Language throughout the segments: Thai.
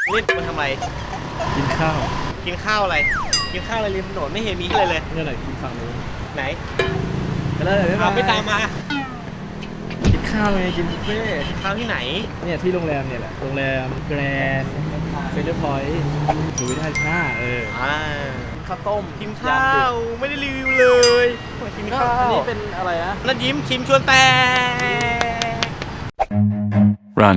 เล่นมันทำอะไรกินข้าวกินข้าวอะไรกินข้าวอะไรริมถนนไม่เห็นมีอะไรเลยนี่ไหนกินฝั่งนู้นไหนไปแล้วไม่ตามมากินข้าวไงกินบุฟเฟ่ต์ข้าวที่ไหนเนี่ยที่โรงแรมเนี่ยแหละโรงแรมแกรนด์เซ็นเตอร์พอยต์อยู่ที่ท่าข้าข้าวต้มกินข้าวไม่ได้รีวิวเลยกินข้าวอันนี้เป็นอะไรนะนั่นยิ้มชิมชวนแต่ Run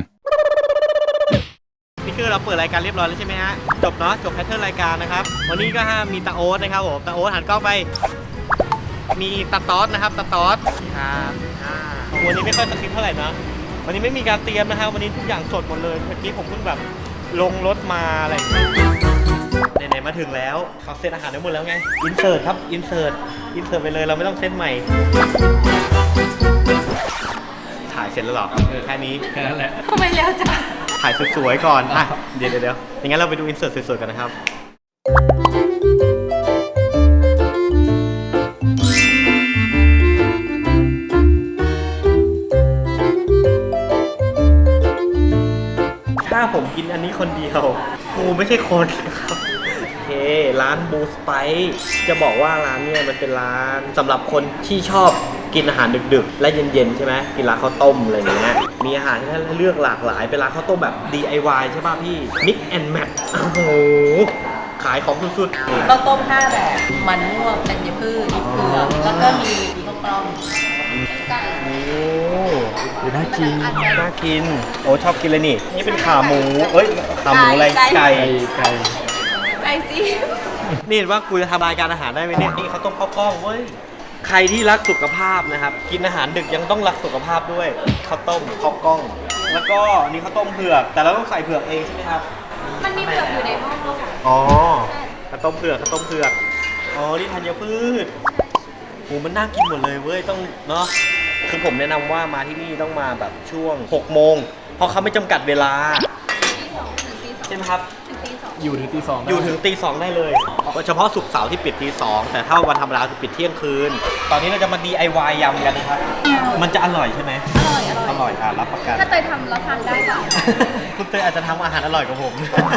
นี่คือเราเปิดรายการเรียบร้อยแล้วใช่ไหมฮะจบเนาะจบแพทเทิร์นรายการนะครับวันนี้ก็มีตาโอ๊ตนะครับผมตาโอ๊ตหันกล้องไปมีตาต๊อดนะครับตาต๊อดครับวันนี้ไม่ค่อยสคริปต์เท่าไหร่นะวันนี้ไม่มีการเตรียมนะครับวันนี้ทุกอย่างสดหมดเลยเมื่อกี้ผมเพิ่งแบบลงรถมาอะไรไหนๆมาถึงแล้วเขาเซตอาหารได้หมดแล้วไงอินเสิร์ตครับอินเสิร์ตไปเลยเราไม่ต้องเซตใหม่ถ่ายเสร็จแล้วหรอแค่นี้แค่นั้นแหละทำไมแล้วจ้ะถ่ายสวยๆก่อนอ่ะเดี๋ยวอย่างงั้นเราไปดูอินเสิร์ตสวยๆกันนะครับถ้าผมกินอันนี้คนเดียวกูไม่ใช่คนครับโอเคร้านบูสไปจะบอกว่าร้านเนี่ยมันเป็นร้านสำหรับคนที่ชอบกินอาหารดึกๆและเย็นๆใช่ไหมกินร้านข้าวต้มอะไรอย่างเงี้ยมีอาหารที่ให้เลือกหลากหลายเป็นร้านข้าวต้มแบบ DIY ใช่ป่ะพี่ Mix and Match โอ้โหขายของสุดๆข้าวต้ม5แบบมันม่วงธัญพืชดิบเผือกแล้วก็มีข้าวกล้องไก่โอ้น่ากินโอ้ชอบกินเลยนี่เป็นขาหมูขาหมูอะไรไก่สินี่เห็นว่ากูจะทำรายการอาหารได้ไหมเนี่ยนี่เขาต้มข้าวกล้องเว้ยใครที่รักสุขภาพนะครับกินอาหารดึกยังต้องรักสุขภาพด้วยข้าวต้มข้าวกล้องแล้วก็นี่ข้าวต้มเผือกแต่เราต้องใส่เผือกเองใช่ไหมครับมันมีเผือกอยู่ในหม้อค่ะอ๋อข้าวต้มเผือกอ๋อนี่ธัญพืชโหมันน่ากินหมดเลยเว้ยต้องเนาะคือผมแนะนำว่ามาที่นี่ต้องมาแบบช่วง6 โมงเพราะเขาไม่จำกัดเวลาใช่ไหมครับอยู่ถึงตี 2 อยู่ถึงตี 2ได้เลยเฉพาะศุกร์เสาร์ที่ปิดตี 2แต่ถ้าวันธรรมดาคือปิดเที่ยงคืนตอนนี้เราจะมา DIY ยำกันนะครับมันจะอร่อยใช่ไหมอร่อยรับประกันถ้าเตยทำแล้วทานได้ค่ะคุณเตยอาจจะทำอาหารอร่อยกว่าผม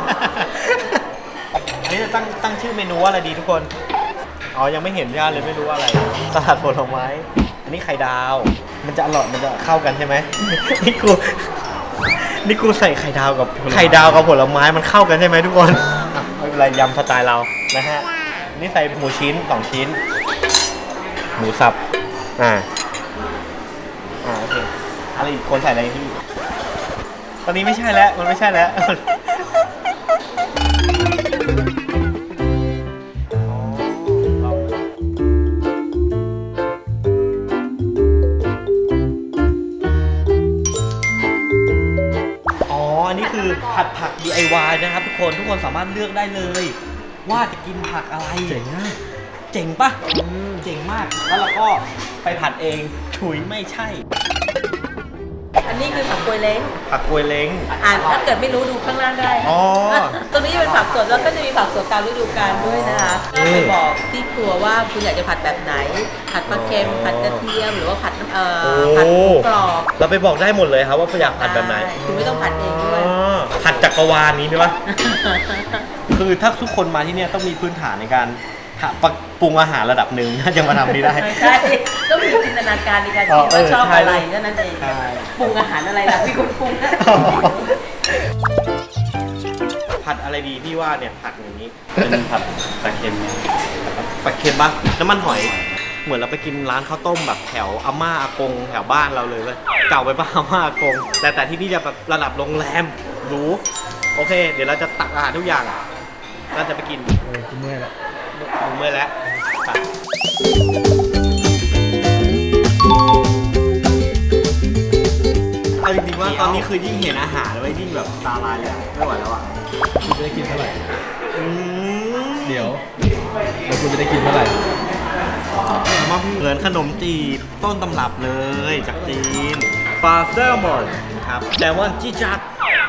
อันนี้จะตั้งชื่อเมนูว่าอะไรดีทุกคนอ๋อยังไม่เห็นย่าเลยไม่รู้ว่าอะไรสลัดผลไม้อันนี้ไข่ดาวมันจะอร่อยมันจะเข้ากันใช่ไหมนี่กูใส่ไข่ดาวกับผลไม้มันเข้ากันใช่ไหมทุกคนไม่เป็นไรยำสไตล์เรานะฮะนี่ใส่หมูชิ้น2 ชิ้นหมูสับโอเคอะไรอีกคนใส่อะไรพี่ตอนนี้ไม่ใช่แล้วมันไม่ใช่แล้วอันนี้คือผัด DIY นะครับทุกคนสามารถเลือกได้เลยว่าจะกินผักอะไรเจ๋งมากเจ๋งปะเจ๋งมากแล้วเราก็ไปผัดเองฉุยไม่ใช่อันนี้คือผักกวยเล้งถ้าเกิดไม่รู้ดูข้างล่างได้ตรงนี้จะเป็นผักสดแล้วก็จะมีผักสดตามฤดูกาลด้วยนะคะไปบอกที่ครัวว่าคุณอยากจะผัดแบบไหนผัดปลาเค็มผัดกระเทียมหรือว่าผัดกรอบเราไปบอกได้หมดเลยครับว่าอยากผัดแบบไหนคุณไม่ต้องผัดเองด้วยผัดจักรวาลนี้ด้วยคือถ้าทุกคนมาที่นี่ต้องมีพื้นฐานในการปรุงอาหารระดับหนึ่งถ้าจะมาทำนี้ได้ใช่ต้องมีจินตนาการในการคิดว่าชอบอะไรนั่นเองปรุงอาหารอะไรล่ะพี่คุณปรุงผัดอะไรดีพี่ว่าเนี่ยผัดอย่างนี้เป็นผัดปลาเค็มปะน้ำมันหอยเหมือนเราไปกินร้านข้าวต้มแบบแถวอาม่าอากงแถวบ้านเราเลยเก่าไปป่ะอาม่าอากงแต่ที่นี่จะแบบระดับโรงแรมหรูโอเคเดี๋ยวเราจะตักอาหารทุกอย่างเราจะไปกินเมื่อยแล้วเอาจริงๆว่าตอนนี้คือยิ่งเห็นอาหารแล้วยิ่งแบบตาลายเลยไม่ไหวแล้วคุณจะได้กินเท่าไหร่เดี๋ยวคุณจะได้กินเท่าไหร่มาเหมือนขนมจีบต้นตำรับเลยจากจีนปลาแซลมอนครับแซลมอนจี้จัด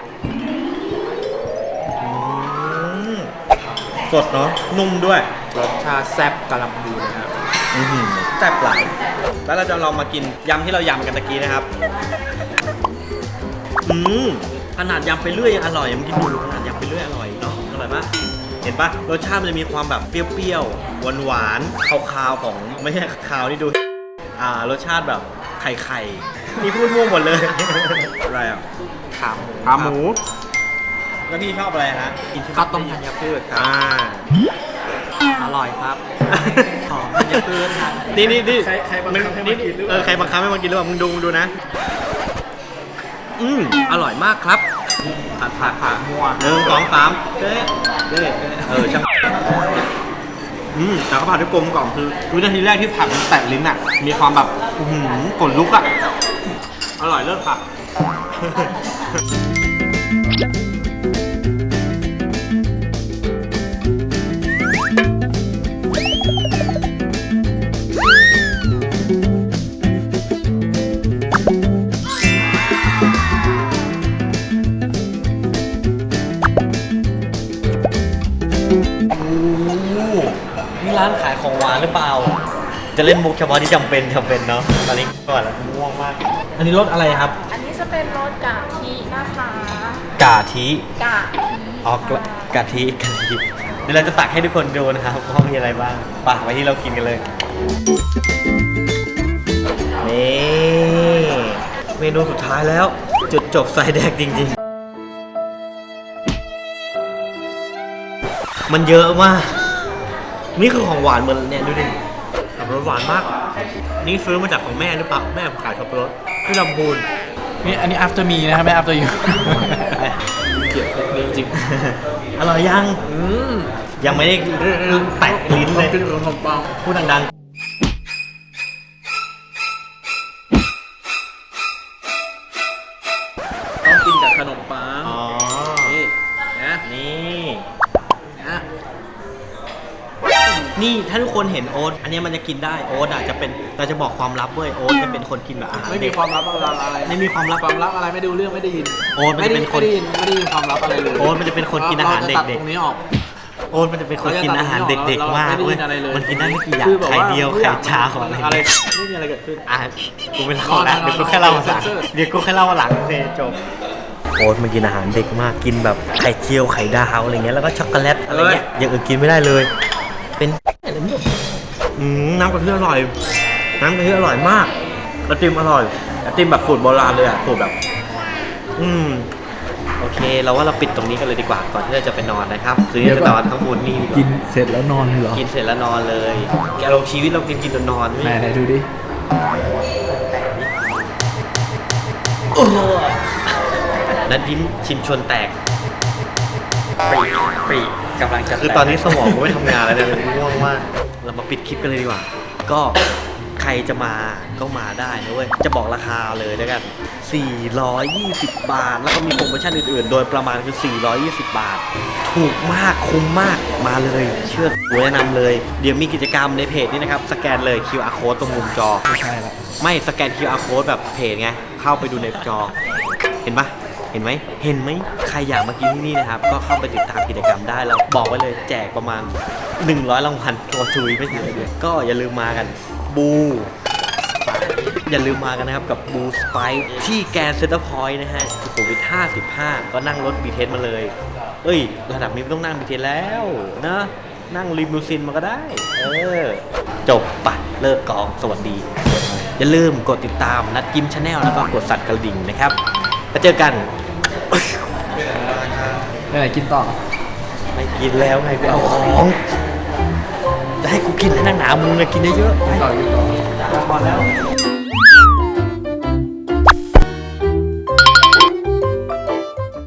สดเนาะนุ่มด้วยรสชาติแซ่บกำลังดีนะครับแซ่บหลายแล้วเราจะลองมากินยำที่เรายำกันตะกี้นะครับอขนาดยำไปเรื่อยยังอร่อยมึงคิดดูขนาดยำไปเรื่อยอร่อยเนาะอร่อยปะเห็นปะรสชาติมันจะมีความแบบเปรี้ยวๆหวานๆคาวๆของไม่ใช่คาวนี่ดูรสชาติแบบไข่นี่พูดมั่วหมดเลย อะไรอ่ะขาหมูแล้วพี่ชอบอะไรฮะกินข้าวต้มธัญพืชครับอร่อยครับหอมธัญพืชครับนี่ใครบังคับให้มากินหรือเปล่าใครบังคับให้มากินหรือเปล่ามึงดูนะอร่อยมากครับผัดมั่ว1 2 3เด้ช่างแต่เขาผัดด้วยกลมกล่อมคือวินาทีแรกที่ผัดมันแตกลิ้นอ่ะมีความแบบกดลุกอ่ะอร่อยเลิศค่ะนี่ร้านขายของหวานหรือเปล่าจะเล่นมุกเฉพาะที่จำเป็นเนาะตอนนี้ก่อนแล้วง่วงมากอันนี้รสอะไรครับอันนี้จะเป็นรสกะทินะคะกะทิอ๋อกะทิเดี๋ยวเราจะตักให้ทุกคนดูนะครับว่ามีอะไรบ้างไปไปที่เรากินกันเลยนี่เมนูสุดท้ายแล้วจุดจบสายแดกจริงๆมันเยอะมากนี่คือของหวานเหมือนเนี่ยดูดิขับรสหวานมากนี่ซื้อมาจากของแม่หรือเปล่าแม่ขายขับรถที่ลำพูนนี่อันนี้ after me นะครับไม่ after you เกี่ยวกับนี้จริงอร่อยยังยังไม่ได้แตะลิ้นเลยเป็นขนมปังพูดดังต้องกินกับขนมปังๆอ๋อนี่นะนี่นะนี่ถ้าทุกคนเห็นโอ๊ตอันนี้มันจะกินได้โอ๊ตอาจจะเป็นเราจะบอกความลับเว้ยโอ๊ตจะเป็นคนกินแบบอาหารไม่มีเด็กความลับอะไรไม่มีความลับอะไรไม่ดูเรื่องไม่ได้ยินโอ๊ตมันจะเป็นคนไม่ได้ยินความลับอะไรเลยโอ๊ตมันจะเป็นคนกินอาหารเด็กตรงนี้ออกๆโอ๊ตมันจะเป็นคนกินอาหารเด็กๆมากเว้ยมันกินได้ไม่กี่อย่างคือแบบไข่ว่าเดียวไข่ชาของอะไรอะไรเงี้ยไม่มีอะไรเกิดขึ้นกูไม่เล่าแล้วเดี๋ยวกูแค่เล่าหลังเดี๋ยวกูแค่เล่าหลังโอเคจบโอ๊ตมันกินอาหารเด็กมากกินแบบไข่เจียวไข่ดาวอะไรเงี้ยแล้วก็ช็อกโกแลตอะไรเงี้ยอย่างอื่นกินไม่ได้เลยเป็นอะไรไม่รู้น้ำกะทิอร่อยน้ำกะทิอร่อยมากไอติมอร่อยไอติมแบบสูตรโบราณเลยอ่ะสูตรแบบโอเคเราว่าเราปิดตรงนี้กันเลยดีกว่าก่อนที่เราจะไปนอนนะครับคืนนี้จะนอนข้างบนนี่ดีกว่ากินเสร็จแล้วนอนเลยเหรอกินเสร็จแล้วนอนเลยแกลงชีวิตเรากินนอนๆไหนดูดิและดิ้นชิมชวนแตกปรีกำลังจะคือตอนนี้สมองกูไม่ทำงานแล้วเนี่ยง่วงมากเรามาปิดคลิปกันเลยดีกว่า ก็ใครจะมาก็มาได้นะเว้ยจะบอกราคาเลยแล้วกัน420 บาทแล้วก็มีโปรโมชั่นอื่นๆโดยประมาณคือ420 บาทถูกมากคุ้มมากมาเลยเชื่อกูแนะนำเลยเดี๋ยวมีกิจกรรมในเพจนี้นะครับสแกนเลย QR code ตรงมุมจอไม่ใช่ละไม่สแกน QR code แบบเพจไงเข้าไปดูในจอเห็นปะเห็นไหมใครอยากมากินที่นี่นะครับก็เข้าไปติดตามกิจกรรมได้เราบอกไว้เลยแจกประมาณ100 รางวัลตัวทุยไม่ถึงเลยก็อย่าลืมมากันบูอย่าลืมมากันนะครับกับบูสไปที่แกนเซ็นเตอร์พอยต์นะฮะสุขุมวิท55ก็นั่งรถบีเทสมาเลยระดับนี้ไม่ต้องนั่งบีเทสแล้วนะนั่งลิมูซินมาก็ได้จบปะเลิกกองสวัสดีอย่าลืมกดติดตามนัดกิมชาแนลแล้วก็กดสั่นกระดิ่งนะครับแล้วเจอกันไปไหนกินต่อไม่กินแล้วไงกูเอาของจะให้กูกินให้นั่งหนามึงเลยกินเยอะๆไปต่อพอแล้ว